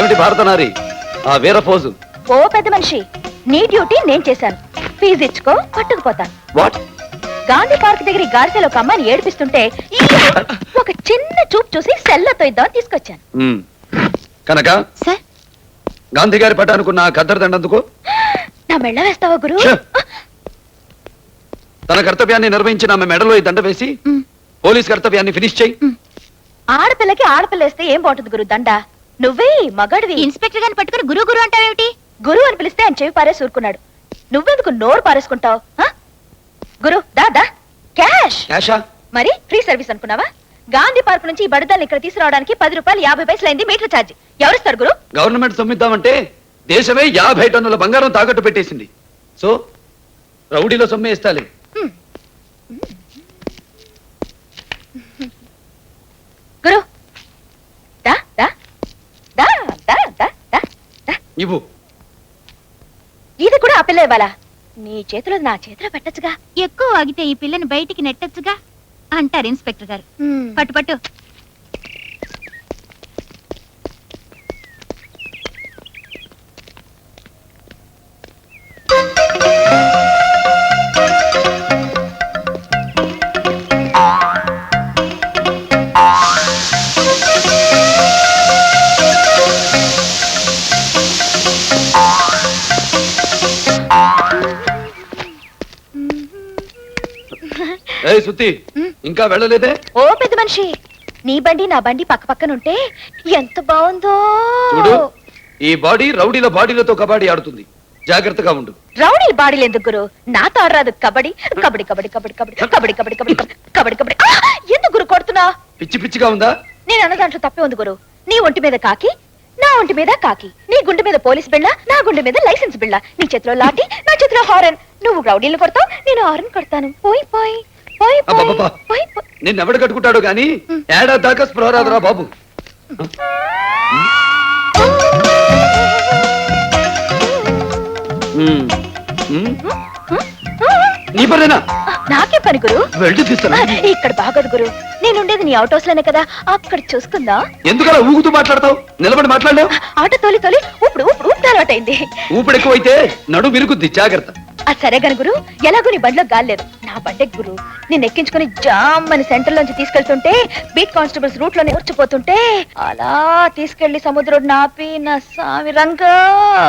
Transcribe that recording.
మొట్టమొదటి భారత నారి ఆ వీరఫోజు. ఓ పెద్ద మనిషి, నీ డ్యూటీ నేను చేశాను. ఫీజు ఇచ్చుకో, పట్టుకుపోతాను. వాట్? గాంధీ పార్క్ దగ్గర ఈ గాడిసెలో ఒక అమ్మాయిని ఏడిపిస్తుంటే ఒక చిన్న చూపు చూసి సెల్లతో ఇద్దామని తీసుకొచ్చాను. కనుక సార్, గాంధీ గారి పట్టానుకున్న కద్దరు దండందుకు నా మెళ్ళ వేస్తావా గురు? తన కర్తవ్యాన్ని నిర్వహించిన ఆమె మెడలో ఈ దండ వేసి పోలీస్ కర్తవ్యాన్ని ఫినిష్ చేయి. ఆడపిల్లకి ఆడపిల్ల వేస్తే ఏం బాగుంటుంది గురు దండ? నువ్వే మగాడివి. ఇన్స్పెక్టర్ గారిని పట్టుకుని గురు గురు అంటావేమిటి? గురు అని పిలిస్తే ఆయన చెవి పారేసి ఊరుకున్నాడు. నువ్వెందుకు నోరు పారేసుకుంటావు? గురు దాదా క్యాష్. క్యాషా? మరి ఫ్రీ సర్వీస్ అనుకున్నావా? గాంధీ పార్క్ నుంచి ఈ బడిదాన్ని ఇక్కడ తీసుకురావడానికి 10 రూపాయలు 50 పైసలు అయింది మీటర్ ఛార్జ్. ఎవరిస్తారు గురు? గవర్నమెంట్ సొమ్మిద్దామంటే దేశమే 50 టన్నుల బంగారం తాకట్టు పెట్టేసింది. సో రౌడీలో సొమ్మే ఇస్తాలి. గురు దా దా దా దా దా దా దా. ఇవ్వు. ఇది కూడా ఆ పిల్ల ఇవ్వాలా? నీ చేతిలో నా చేతిలో పెట్టచ్చుగా. ఎక్కువ ఆగితే ఈ పిల్లని బయటికి నెట్టచ్చుగా అంటారు ఇన్స్పెక్టర్ గారు. పట్టు పట్టు. ఏయ్ సుత్తి, ఇంకా వెళ్ళలేదే? ఓ పెద్ద మనిషి, నీ బండి నా బండి పక్క పక్కనుంటే ఎంత బాగుందో. చూడు, ఈ బాడీ రౌడీల బాడీలతో కబడ్డీ ఆడుతుంది. జాగ్రత్తగా ఉండు. రౌడీ బాడీలు ఎందుకు గురు? నాతో ఆడరాదు కబడ్డీ. కబడ్డీ కబడ్డీ కబడ్డీ కబడ్డీ కబడ్డీ కబడ్డీ కబడ్డీ కబడ్డీ కబడ్డీ. ఎందుకు గురు కొడుతున్నా? పిచ్చి పిచ్చిగా ఉందా? నేను అన్న దాంట్లో తప్పే ఉంది గురు. నీ ఒంటి మీద కాకి, నా ఒంటి మీద కాకి. నీ గుండె మీద పోలీస్ బిళ్ళ, నా గుండె మీద లైసెన్స్ బిళ్ళ. నీ చేతిలో లాఠీ, నా చేతిలో హారన్. నువ్వు రౌడీలు కొడతావు, నేను హారన్ కొడతాను. పోయి పోయి పోయి అబ్బబ్బబ్బా. పోయి పోయి. నిన్నెవడు కట్టుకుంటాడు గాని ఏడాది దాకా స్పృహ రాదురా బాబు. నీ పనేనా? నాకే పని గురు. వెళ్ళి తీస్తాను. ఇక్కడ బాగోదు గురు. నేనుండేది నీ అవుట్ హౌస్ లోనే కదా, అక్కడ చూసుకుందా. ఎందుకలా ఊగుతూ మాట్లాడతావు? నిలబడి మాట్లాడలేవు? ఆటో తోలి తోలి ఊపుడు ఊపుడు ఊపుడు అలవాటైంది. ఊపిడి ఎక్కువైతే నడు విరుగుద్ది, జాగ్రత్త. అది సరే గను గురు, ఎలాగో నీ బండిలో గాలేదు. నా బండే గురు, నేను ఎక్కించుకుని జామ్ అని సెంటర్ లోంచి తీసుకెళ్తుంటే బీట్ కానిస్టేబుల్స్ రూట్ లోనే ఊర్చిపోతుంటే అలా తీసుకెళ్లి సముద్రం నాపి నా సామి రంగా